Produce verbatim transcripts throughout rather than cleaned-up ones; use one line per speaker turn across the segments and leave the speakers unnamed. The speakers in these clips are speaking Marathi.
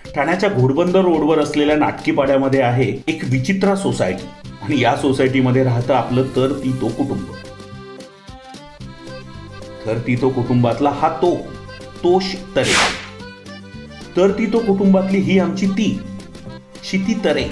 ठाण्याच्या घोडबंदर रोडवर असलेल्या नाटकीपाड्यामध्ये आहे एक विचित्र सोसायटी आणि या सोसायटीमध्ये राहतं आपलं तर ती तो कुटुंब. तर ती तो कुटुंबातला हा तो तोष तरे. तर ती तो कुटुंबातली ही आमची ती शिती तरे.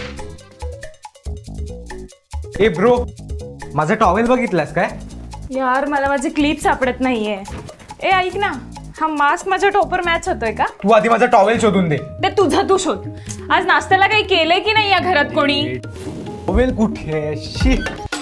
ए ब्रो, माझा टॉवेल बघितलास काय?
यार मला माझी क्लिप सापडत नाहीये. ए ऐक ना, हा मास्क माझ्या टॉपर मॅच होतोय का?
तू आधी माझा टॉवेल शोधून दे.
ते तुझं तू शोध. आज नाश्त्याला काही केलंय की नाही या घरात कोणी?
टॉवेल कुठे आहे? शी.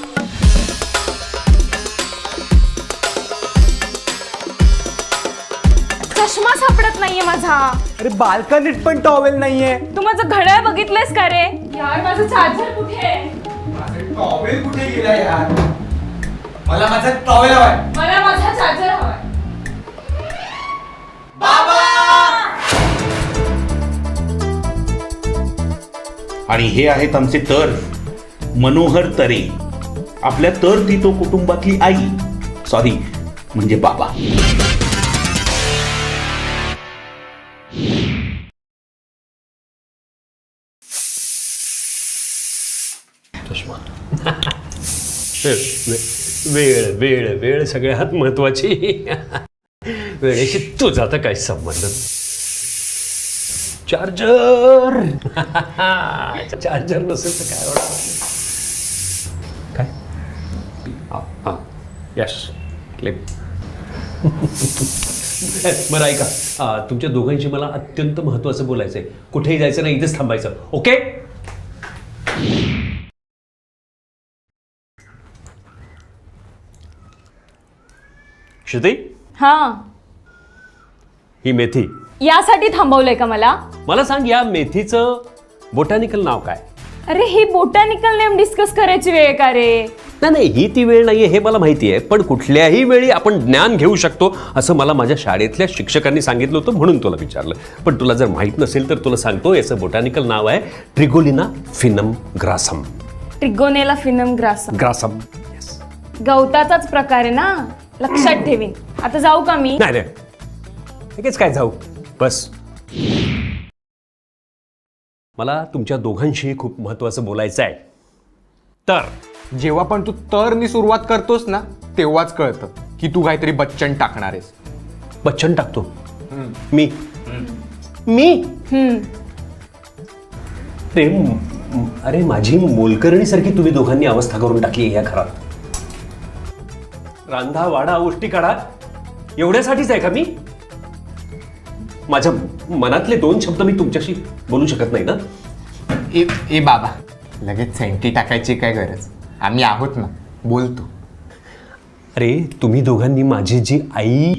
चष्मा सापडत नाहीये माझा.
अरे बाल्कनीत पण टॉवेल नाहीये.
तू माझं घड्याळ बघितलंयस का रे? यार माझं चार्जर कुठे आहे?
माझा टॉवेल कुठे गेला यार? मला माझा टॉवेल हवाय.
मला माझा चार्जर हवाय.
आणि हे आहेत आमचे तर मनोहर तरे. आपल्या तर ती तो कुटुंबातली आई, सॉरी म्हणजे बाबा.
वेळ वेळ वेळ सगळ्यात महत्वाची. वेळेशी तुझा तर काही संबंध. चार्जर चार्जर नसेल तर काय होणार? काय हा हा यस क्लिप. बरं ऐका, आ, तुमच्या दोघांशी मला अत्यंत महत्वाचं बोलायचं आहे. कुठेही जायचं नाही, इथेच थांबायचं. ओके? श्रुती,
हा,
ही मेथी
यासाठी थांबवलंय का मला?
मला सांग, या मेथीचं बोटॅनिकल नाव काय?
अरे ही बोटॅनिकल नेम डिस्कस करायची वेळ का रे?
नाही नाही, ही ती वेळ नाहीये हे मला माहिती आहे, पण कुठल्याही वेळी आपण ज्ञान घेऊ शकतो असं मला माझ्या शाळेतल्या शिक्षकांनी सांगितलं होतं, म्हणून तुला विचारलं. पण तुला जर माहित नसेल तर तुला सांगतो, याचं बोटॅनिकल नाव आहे ट्रिगोलिना फिनम ग्रासम.
ट्रिगोनेला फिनम ग्रासम.
ग्रासम.
गवताचाच प्रकार आहे ना, लक्षात ठेवीन. आता जाऊ का मी?
नाही नाही, लगेच काय जाऊ, बस. मला तुमच्या दोघांशी खूप महत्वाचं बोलायचं आहे. तर
जेव्हा पण तू तरनी सुरुवात करतोस ना, तेव्हाच कळतं की तू काहीतरी बच्चन टाकणार आहेस.
बच्चन टाकतो मी मी
हम्म.
अरे म- अरे माझी मोलकरणीसारखी तुम्ही दोघांनी अवस्था करून टाकली या घरात. रांधा वाडा उष्टी काढा एवढ्यासाठीच आहे का मी? माझ्या मनातले दोन शब्द मी तुमच्याशी बोलू शकत नाही ना?
ए ए बाबा, लगेच सेंटी टाकायची काय गरज? आम्ही आहोत ना, बोलतो.
अरे तुम्ही दोघांनी माझी जी आई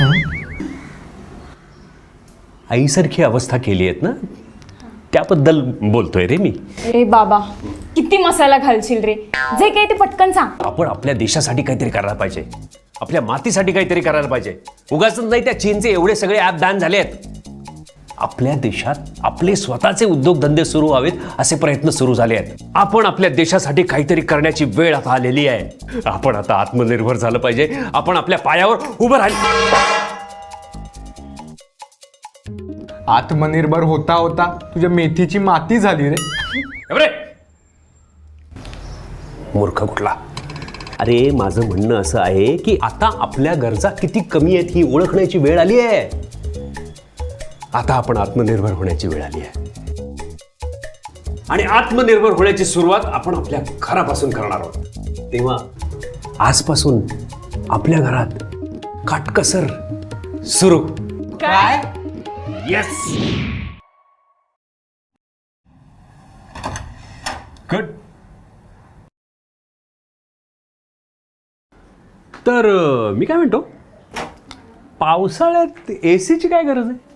आईसारखी अवस्था केली आहेत ना, त्याबद्दल बोलतोय रे मी.
अरे बाबा, किती मसाला घालशील रे? जे काही ते पटकन सांग.
आपण आपल्या देशासाठी काहीतरी करायला पाहिजे, आपल्या मातीसाठी काहीतरी करायला पाहिजे. उगाच नाही, त्या चीनचे एवढे सगळे ॲप बॅन झाले आहेत. आपल्या देशात आपले स्वतःचे उद्योगधंदे सुरू व्हावेत असे प्रयत्न सुरू झाले आहेत. आपण आपल्या देशासाठी काहीतरी करण्याची वेळ आता आलेली आहे. आपण आता आत्मनिर्भर झालं पाहिजे. आपण आपल्या पायावर उभं राहिलं.
आत्मनिर्भर होता होता तुझ्या मेथीची माती झाली रे.
एवढे मूर्ख कुठला. अरे माझं म्हणणं असं आहे की आता आपल्या गरजा किती कमी आहेत ही ओळखण्याची वेळ आली आहे. आता आपण आत्मनिर्भर होण्याची वेळ आली आहे. आणि आत्मनिर्भर होण्याची सुरुवात आपण आपल्या घरापासून करणार आहोत. तेव्हा आजपासून आपल्या घरात काटकसर सुरू.
काय?
Yes, good. तर अं, मी काय म्हणतो, पावसाळ्यात एसीची काय गरज आहे?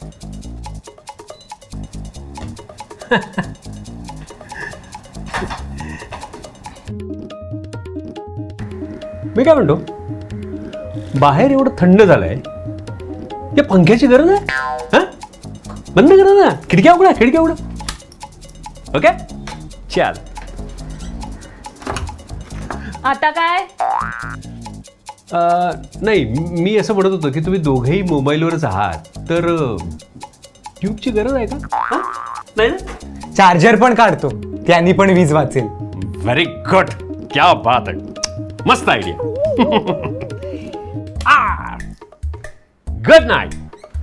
मी काय म्हणतो, बाहेर एवढं थंड झालंय, या पंख्याची गरज आहे? हा, बंद करा ना, खिडक्या उघडा, खिडक्या उघडा. ओके, चाल.
आता काय?
नाही, मी असं म्हणत होतो की तुम्ही दोघेही मोबाईलवरच आहात, तर ट्यूबची गरज आहे का हा? नाही ना?
चार्जर पण काढतो, त्यांनी पण वीज वाचेल.
व्हेरी गुड, क्या बात आहे, मस्त आयडिया. Good Knight.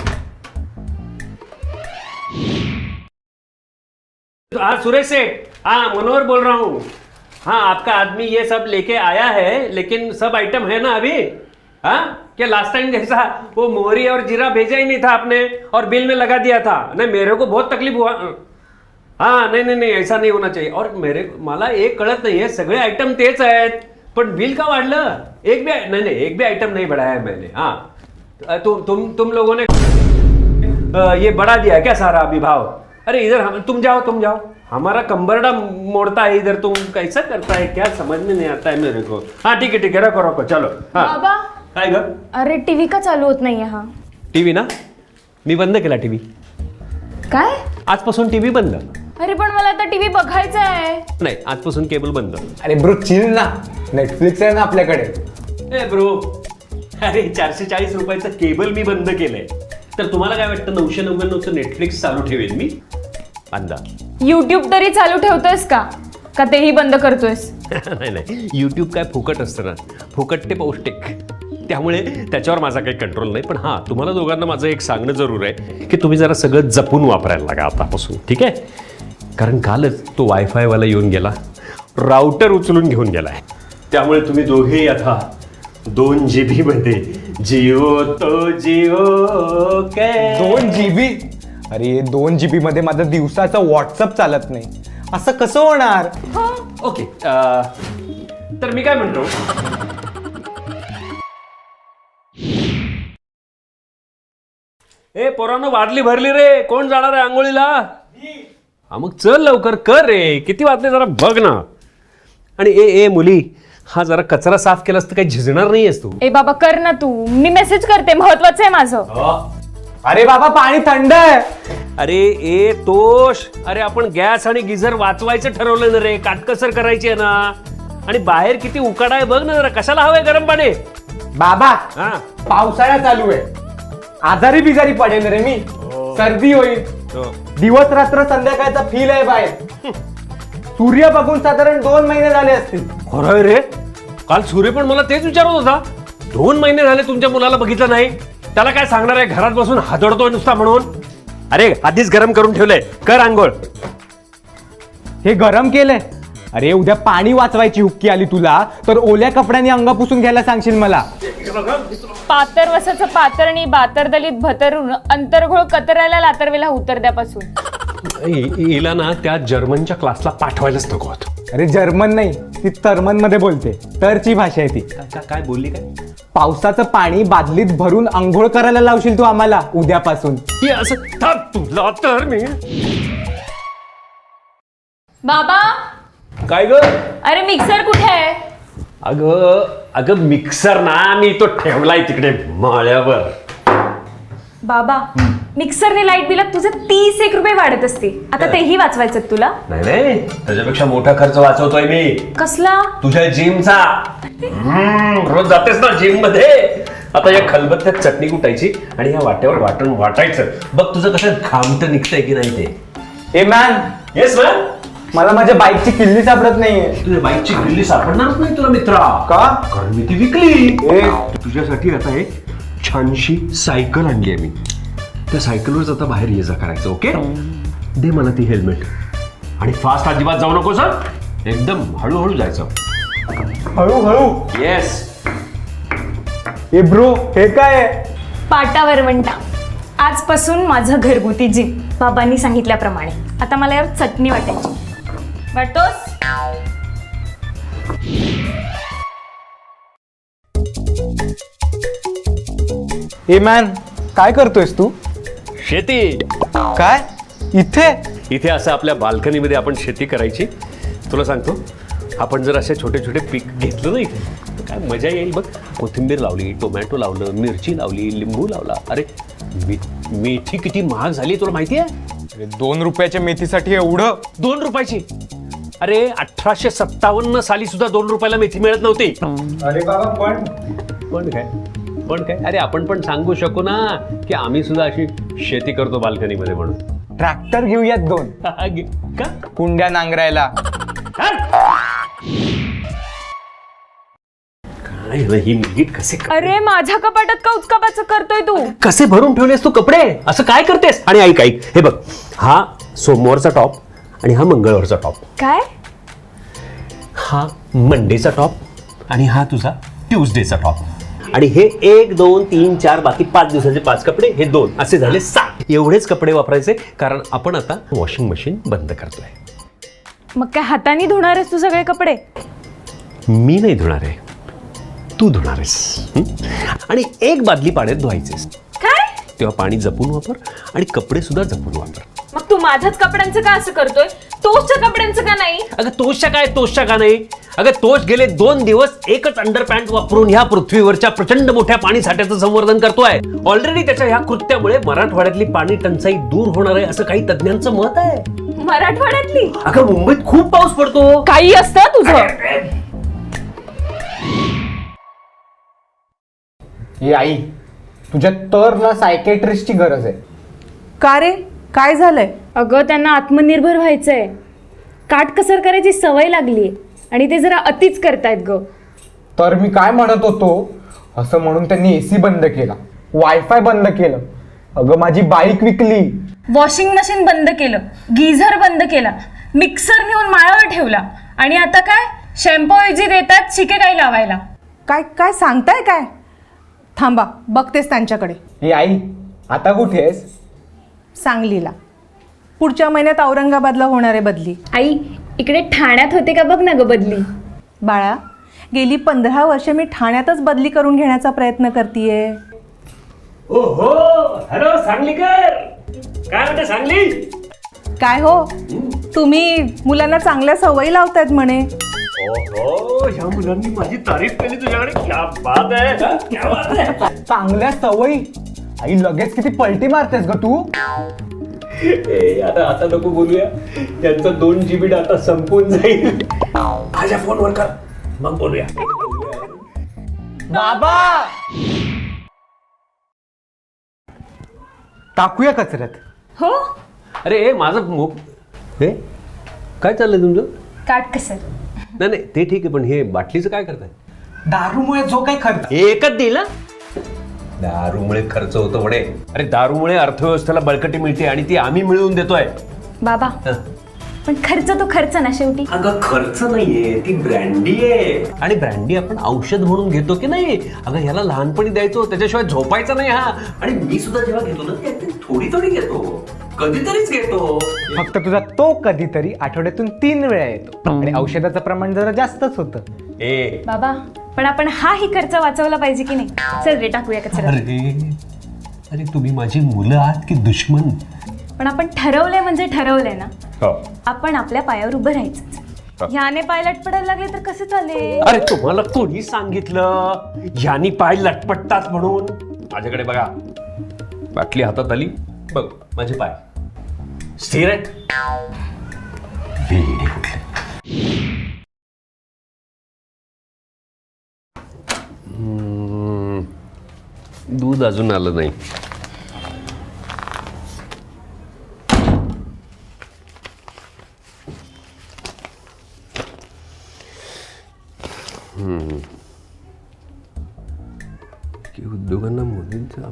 हाँ सुरेश सेठ, हाँ मनोहर बोल रहा हूँ. हाँ आपका आदमी ये सब लेके आया है, लेकिन सब आइटम है ना अभी? हाँ क्या लास्ट टाइम जैसा वो मोहरी और जीरा भेजा ही नहीं था आपने और बिल में लगा दिया था? नहीं मेरे को बहुत तकलीफ हुआ. हाँ नहीं नहीं नहीं ऐसा नहीं होना चाहिए. और मेरे मला एक कळत नाही आहे, सगळे आइटम तेच आहेत पण बिल का वाढलं? एक भी नहीं नहीं एक भी आइटम नहीं बढ़ाया है मैंने. हाँ तुम तुम तुम लोगों ने आ, ये बढ़ा दिया क्या सारा अभी भाव? अरे इधर हम तुम जाओ तुम जाओ, हमारा कंबरडा मोड़ता है इधर, तुम कैसा करता है क्या समझ में नहीं आता है मेरे को. हाँ ठीक है ठीक है रखो रखो चलो. हाँ
बाबा
काय ग?
अरे टीव्ही का चालू होत नाहीये हा?
टीव्ही ना मी बंद केला टीव्ही.
काय?
आजपासून टीव्ही बंद.
अरे पण मला आता टीव्ही बघायचा आहे.
नाही आजपासून केबल बंद.
अरे ब्रो चिल ना, नेटफ्लिक्स आहे ना आपल्याकडे.
ए ब्रो, अरे चारशे चाळीस रुपयाचं केबल मी बंद केलंय, तर तुम्हाला काय वाटतं नऊशे नव्याण्णवचं नेटफ्लिक्स चालू ठेवेल मी? अंदा.
युट्यूब तरी चालू ठेवतोयस का का तेही बंद करतोयस?
नाही नाही यूट्यूब काय फुकट असतं ना, फुकट ते पौष्टिक, त्यामुळे त्याच्यावर माझा काही कंट्रोल नाही. पण हां तुम्हाला दोघांना माझं एक सांगणं जरूर आहे की तुम्ही जरा सगळं जपून वापरायला लागा आतापासून, ठीक आहे? कारण कालच तो वायफायवाला येऊन गेला, राउटर उचलून घेऊन गेलाय, त्यामुळे तुम्ही दोघेही आता दोन जी बी मध्ये जिओ तो जिओ काय
दोन जीबी? अरे दोन जीबी मध्ये माझं दिवसाचं व्हॉट्सअप चालत नाही, असं कसं होणार?
ओके. तर मी काय म्हणतो, ए पोरांनो बाटली भरली रे, कोण जाणार आहे आंघोळीला? हा मग चल लवकर कर रे, किती वाजले जरा बघ ना. आणि ए ए मुली, हा जरा कचरा साफ केलास तर काही झिजणार नाहीयेस तू.
ए बाबा कर ना तू, मी मेसेज करते, महत्वाचं आहे माझं.
अरे बाबा पाणी थंड आहे.
अरे ए तोष, अरे आपण गॅस आणि गिझर वाचवायचं ठरवलं ना रे, काटकसर करायची आहे ना. आणि बाहेर किती उकाडा आहे बघ ना जरा, कशाला हवंय गरम पाणी?
बाबा
हा
पावसाळा चालू आहे, आजारी बिजारी पडेल रे मी, सर्दी होईल. दिवस रात्र संध्याकाळचा फील आहे बाहेर. सूर्य बघून साधारण दोन महिने झाले असतील.
खरंय रे, काल सूर्य पण मला तेच विचारत होता, दोन महिने झाले तुमच्या मुलाला बघितलं नाही, त्याला काय सांगणार आहे घरात बसून हादरतोय नुसता म्हणून? अरे आधीच गरम करून ठेवलंय, कर आंघोळ.
हे गरम केलंय? अरे उद्या पाणी वाचवायची हुक्की आली तुला तर ओल्या कपड्यांनी अंग पुसून घ्यायला सांगशील मला?
पातर वसाचं पातरणी बातर दलित भतरून अंतरघोळ कतरायला लातरवेला उतरद्यापासून.
हिला ना त्या जर्मनच्या क्लासला पाठवायलाच नको होतं.
अरे जर्मन नाही, ती तर्मन मध्ये बोलते, तरची भाषा आहे ती.
काय बोलली काय?
पावसाचं पाणी बादलीत भरून अंघोळ करायला लावशील तू आम्हाला उद्यापासून?
हे असं थांब तुला तर मी.
बाबा
काय ग?
अरे मिक्सर कुठे आहे?
अगं अगं मिक्सर ना मी तो ठेवलाय तिकडे माळ्यावर.
बाबा मिक्सरने लाईट बिलात तुझे तीस एक रुपये वाढत असते, आता तेही वाचवायचं तुला?
नाही नाही त्याच्यापेक्षा मोठा खर्च वाचवतोय मी.
कसला?
तुझ्या जिमचा. रोज जातेस ना जिम मध्ये, आता या खलबत्त्यात चटणी कुटायची आणि या वाट्यावर वाटण वाटायचं, बघ तुझं कसं घामट निघतंय की नाही ते.
ए मॅन,
येस मॅम.
मला माझ्या बाईकची किल्ली सापडत नाहीये.
तुझ्या बाईकची किल्ली सापडणारच नाही तुला मित्रा.
का?
कारण मी ती विकली.
ए
तुझ्यासाठी आता एक छानशी सायकल आणली आहे मी, त्या सायकलवरच आता बाहेर ये जा करायचं. ओके दे मला ती हेल्मेट, आणि फास्ट अजिबात जाऊ नको सर, एकदम हळूहळू जायचं.
हळूहळू?
येस.
ए ब्रो हे काय?
पाटावर वंटा. आजपासून माझं घरगुती जिम बाबांनी सांगितल्याप्रमाणे. आता मला यावर चटणी वाटायची. वाटतोस?
ए मॅन काय करतोयस तू?
शेती.
काय इथे?
इथे असं आपल्या बाल्कनीमध्ये आपण शेती करायची. तुला सांगतो, आपण जर असे छोटे छोटे पीक घेतलं ना इथे तर काय मजा येईल बघ. कोथिंबीर लावली, टोमॅटो लावलं, मिरची लावली, लिंबू लावला. अरे मी मेथी किती महाग झाली तुला माहिती आहे?
दोन रुपयाच्या मेथीसाठी एवढं?
दोन रुपयाची? अरे अठराशे सत्तावन्न साली सुद्धा दोन रुपयाला मेथी मिळत नव्हती.
अरे बाबा पण
पण काय पण काय, अरे आपण पण सांगू शकू ना की आम्ही सुद्धा अशी शेती करतो बाल्कनीमध्ये म्हणून.
ट्रॅक्टर घेऊयात दोन,
का
कुंड्या नांगरायला.
काय रे, ही नीट कसे
अरे माझ्या कपाटात का उचकापाचं करतोय तू?
कसे भरून ठेवलेस तू कपडे, असं काय करतेस? आणि ऐक ऐक हे बघ, हा सोमवारचा टॉप आणि हा मंगळवारचा टॉप,
काय?
हा मंडेचा टॉप आणि हा तुझा ट्यूजडेचा टॉप. आणि हे एक दोन तीन चार बाकी पाच दिवसाचे पाच कपडे, हे दोन, असे झाले सात. एवढेच कपडे वापरायचे कारण आपण आता वॉशिंग मशीन बंद करतोय.
मग काय हाताने धुणार आहेस तू सगळे कपडे?
मी नाही धुणार आहे, तू धुणार आहेस. हं? आणि एक बादली पाण्यात धुवायचेस,
काय?
तेव्हा पाणी जपून वापर आणि कपडे सुद्धा जपून वापर.
मग तू माझ्याच कपड्यांचं का असं करतोय, तोचच्या कपड्यांचं का नाही?
अगं तोषच्या काय, तोषच्या का नाही? अगं तोष गेले दोन दिवस एकच अंडरपॅन्ट वापरून ह्या पृथ्वीवरच्या प्रचंड मोठ्या पाणी साठ्याचं संवर्धन करतोय. ऑलरेडी त्याच्या ह्या कृत्यामुळे मराठवाड्यातली पाणी टंचाई दूर होणार आहे असं काही तज्ञांचं मत आहे.
मराठवाड्यातली?
अगं मुंबईत खूप पाऊस पडतो.
काही असतं तुझं.
हे आई, तुझ्या तर ना सायकेट्रिस्टची गरज आहे.
का रे, काय झालंय?
अगं त्यांना आत्मनिर्भर व्हायचंय, काटकसर करायची सवय लागली आणि ते जरा अतिच करतायत ग.
तर मी काय म्हणत होतो, असं म्हणून त्यांनी एसी बंद केला, वायफाय बंद केलं, अगं माझी बाईक विकली,
वॉशिंग मशीन बंद केलं, गिझर बंद केला, मिक्सर नेऊन माळावर ठेवला आणि आता काय शॅम्पू ऐवजी देतात शिकेकाई लावायला.
काय काय सांगताय काय? थांबा, बघतेस त्यांच्याकडे.
हे आई, आता कुठे आहेस?
सांगलीला. पुढच्या महिन्यात औरंगाबादला होणार आहे बदली.
आई इकडे ठाण्यात होते का बघ ना ग बदली.
बाळा, गेली पंधरा वर्ष मी ठाण्यातच बदली करून घेण्याचा प्रयत्न करतेय.
ओहो, हॅलो सांगलीकर, काय म्हणते सांगली?
काय हो, तुम्ही मुलांना चांगल्या सवयी लावतायत म्हणे.
ओहो, ह्या मुलांनी माझी तारीफ केली तुझ्याकडे. क्या बात आहे, हा? क्या बात आहे.
चांगल्या सवयी? आई लगेच किती पलटी मारतेस ग तू.
ए, आता आता नको बोलूया, यांचा दोन जीबी डाटा संपून जाईल. माझ्या फोनवर कर, मग बोलूया.
बाबा, टाकूया कचऱ्यात.
हो,
अरे माझं मो हे काय चाललंय तुमचं?
काटकसर.
नाही नाही ते ठीक आहे, पण हे बाटलीचं काय करताय?
दारूमुळे जो काही खर्च.
एकच देईल ना? दारूमुळे खर्च होतो म्हणे. अरे दारूमुळे अर्थव्यवस्थेला बळकटी मिळते आणि ती आम्ही मिळवून देतोय.
बाबा
हं.
पण खर्च तो खर्च ना शेवटी.
अगं खर्च नाहीये, ती ब्रँडी आहे. आणि ब्रँडी आपण औषध म्हणून घेतो की नाही? अगं ह्याला लहानपणी द्यायचो, त्याच्याशिवाय झोपायचा नाही हा. आणि मी सुद्धा जेव्हा घेतो ना, ते थोडी थोडी घेतो, कधीतरीच घेतो.
फक्त तुझा तो कधीतरी आठवड्यातून तीन वेळा येतो आणि औषधाचं प्रमाण जरा जास्तच होतं.
ए
बाबा पण आपण हाही खर्च वाचवला पाहिजे की नाही? चल रे टाकूया कचरा.
अरे अरे तुम्ही माझी मुलं आहात की दुश्मन?
पण आपण ठरवलंय म्हणजे ठरवलंय ना,
हो.
आपण आपल्या पायावर उभं राहायचं. ह्याने पाय लटपडायला लागले तर कसं चालेल?
अरे तुम्हाला कोणी सांगितलं ह्यानी पाय लटपटतात म्हणून? माझ्याकडे बघा, बाटली हातात आली, बघ माझे पाय स्थिर आहेत. वेडे कुठले. हम्म, दूध अजून आलं नाही. हम्म. की उद्योगांना मोदींचा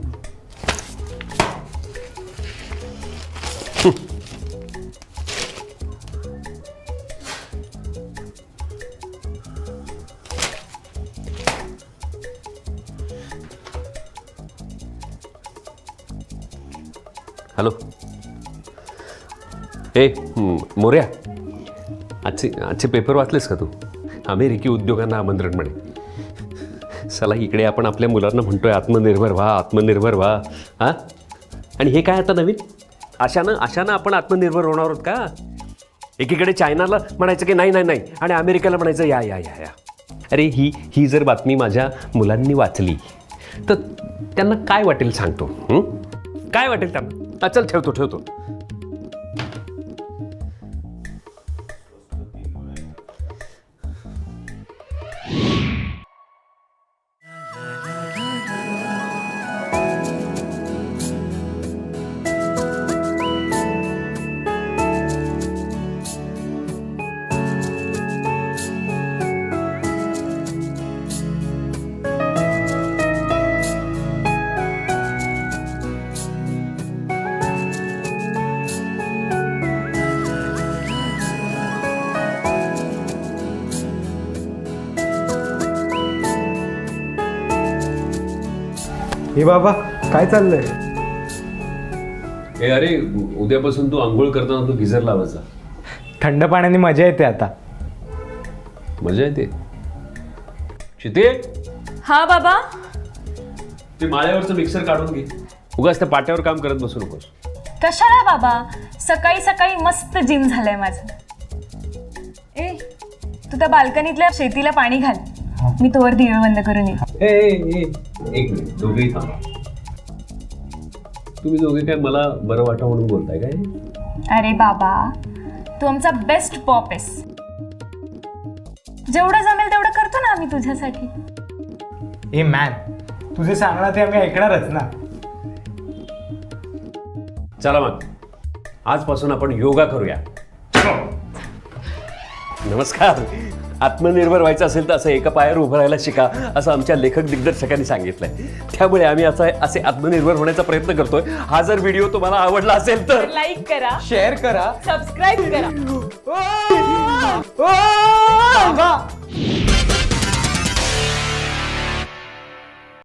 हॅलो. ए मोर्या, आजचे आजचे पेपर वाचलेस का तू? अमेरिकी उद्योगांना आमंत्रण म्हणे. चला इकडे आपण आपल्या मुलांना म्हणतोय आत्मनिर्भर व्हा, आत्मनिर्भर व्हा. हां, आणि हे काय आता नवीन? अशानं अशानं आपण आत्मनिर्भर होणार आहोत का? एकीकडे चायनाला म्हणायचं की नाही नाही नाही आणि अमेरिकेला म्हणायचं या या या या. अरे ही ही जर बातमी माझ्या मुलांनी वाचली तर त्यांना काय वाटेल सांगतो? हं? काय वाटेल त्यांना? चल ठेवतो ठेवतो.
हे बाबा काय चाललंय?
ए अरे उद्यापासून तू आंघोळ करताना तू गिझर लावायचा.
थंड पाण्याने मजा येते आता.
मजा येते. शिते
हा बाबा.
ते माळ्यावरचं मिक्सर काढून घे. उगाच त्या पाट्यावर काम करत बसू नकोस.
कशाला बाबा, सकाळी सकाळी मस्त जिम झालंय माझं. ए तू त्या बाल्कनीतल्या शेतीला पाणी घाल, मी तोवर दिवे बंद करून येईल.
ए, ए, ए, एक मिनिट दोघेही थांबा. तुम्ही दोघे काय मला बरं वाटा म्हणून बोलताय काय?
अरे बाबा, तू आमचा बेस्ट पॉप आहेस. जेवढं जमेल तेवढं करतो ना आम्ही तुझ्यासाठी.
ए मॅन, तुझे सांगणार ते आम्ही ऐकणारच ना.
चला मग आजपासून आपण योगा करूया. नमस्कार. आत्मनिर्भर व्हायचं असेल तर असं एका पायावर उभं राहायला शिका, असं आमच्या लेखक दिग्दर्शकांनी सांगितलंय. त्यामुळे आम्ही असा असे आत्मनिर्भर होण्याचा प्रयत्न करतोय. हा जर व्हिडिओ तुम्हाला आवडला असेल तर
लाईक करा,
शेअर करा,
सबस्क्राईब करा.
ओ! ओ! बाबा!